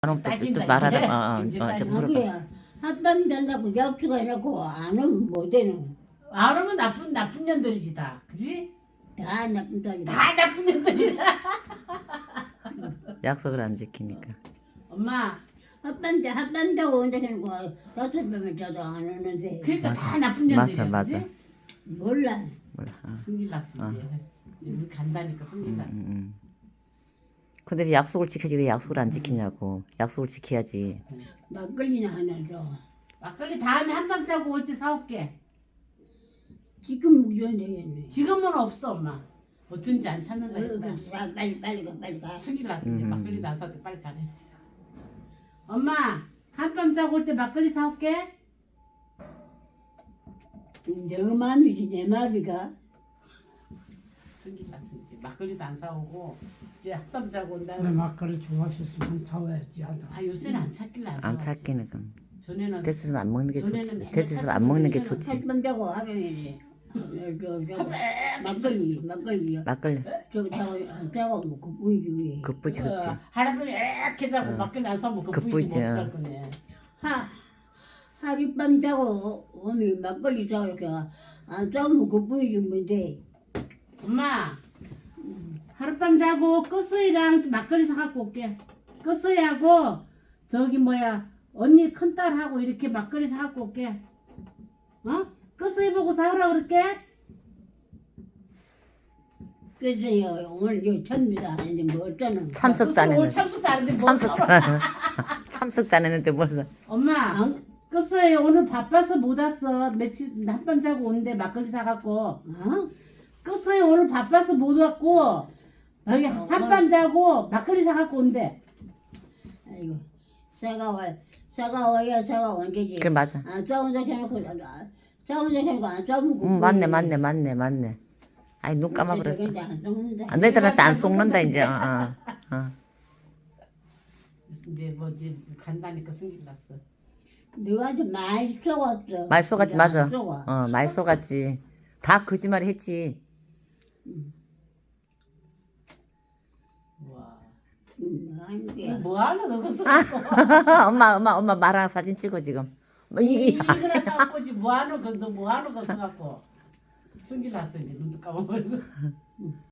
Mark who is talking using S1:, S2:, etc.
S1: 또
S2: 따진다,
S1: 말하다
S2: 이제.
S1: 저
S2: 이제
S1: 물어봐.
S3: 그래. 한밤 잔다고 약수가 해놓고 안 오면 못해는.
S2: 안 오면 나쁜 년들이지 다. 그지?
S3: 다 나쁜 소리다.
S2: 다 나쁜 년들이다.
S1: 약속을 안 지키니까.
S2: 엄마,
S3: 한밤 자고 온다 해놓고 다섯 밤을 자도 안 오는데.
S2: 그러니까
S1: 맞아.
S2: 다 나쁜 년들이야.
S1: 맞아.
S2: 그지?
S3: 몰라.
S1: 몰라.
S2: 승질 났어 이제. 이제 우리 간다니까 승질 났어.
S1: 근데 왜 약속을 지켜야지 왜 약속을 안 지키냐고. 약속을 지켜야지.
S3: 막걸리나 하나 줘.
S2: 막걸리 다음에 한밤 자고 올 때 사올게.
S3: 지금 무전 되겠네.
S2: 지금은 없어 엄마. 어쩐지 안 찾는다 했다.
S3: 빨리 가.
S2: 승질 났어 이제. 막걸리 나서 빨리 가래. 엄마, 한밤 자고 올 때 막걸리 사올게.
S3: 너 마음이지 내 마음이가.
S2: 승질 났어 이제. 막걸리도 안 사오고 이제 한밤 자고 온다.
S4: 내 막걸리 좋아하셨으면 사와야지 하다.
S2: 아 요새는 안 찾길래 안
S1: 안
S2: 사왔지.
S1: 찾기는 그럼.
S2: 전에는
S1: 됐으면 안 먹는 게
S2: 전에는
S1: 좋지.
S2: 맨날
S1: 됐으면 안 먹는 게
S2: 찾는
S1: 좋지.
S3: 한밤 자고 하면이지. 막걸리요.
S1: 막걸리.
S3: 저거 자고 뭐 보이지.
S1: 그쁘지 그렇지.
S2: 할아버지 이렇게 자고 막걸리 안 사면 그
S1: 그쁘지,
S2: 부이지 못할 거네.
S3: 하룻밤 자고 오면 막걸리 자고 이렇게 안 자면 그 보이지 뭔데.
S2: 엄마, 하룻밤 자고 끝서이랑 막걸리 사갖고 올게. 끝서이하고 저기 뭐야 언니 큰딸하고 이렇게 막걸리 사갖고 올게. 어? 끝서이 보고 사오라 그럴게.
S3: 그래서요 오늘 요 참미도 하는데 뭐 어쩌는.
S1: 참석도 안
S2: 오늘
S1: 했는데.
S2: 참석도 안 했는데 뭐
S1: 참석도
S2: 사오라.
S1: 안 참석도 안 했는데 뭘 사.
S2: 엄마, 끝서이 오늘 바빠서 못 왔어. 며칠 한밤 자고 오는데 막걸리 사갖고.
S3: 어?
S2: 끝서이 오늘 바빠서 못 왔고 저기 한밤 자고 막걸리 사갖고 온대.
S3: 아이고 사과와야 사과 언제지.
S1: 그래 맞아.
S3: 안 싸운다 해놓고 싸운다 해놓고 안 싸우면 그
S1: 맞네. 아이 눈 감아버렸어.
S3: 안 썩는다.
S1: 안 되더라도 안 속는다 이제.
S2: 이제 뭐 이제 간다니까 승질 났어.
S3: 너한테 많이 속았어.
S1: 말 속았지
S3: 네가
S1: 맞아.
S3: 안 속아.
S1: 말 속았지. 다 거짓말 했지.
S2: 와,
S3: 하는 거야.
S2: 뭐 하나 넣었어?
S1: 엄마 말랑 사진 찍어 지금. 뭐 이게
S2: 이거나 사갖고지 뭐 하는 거 너 뭐 하는 거 써갖고 승질 났어 이제 눈도 감아버리고.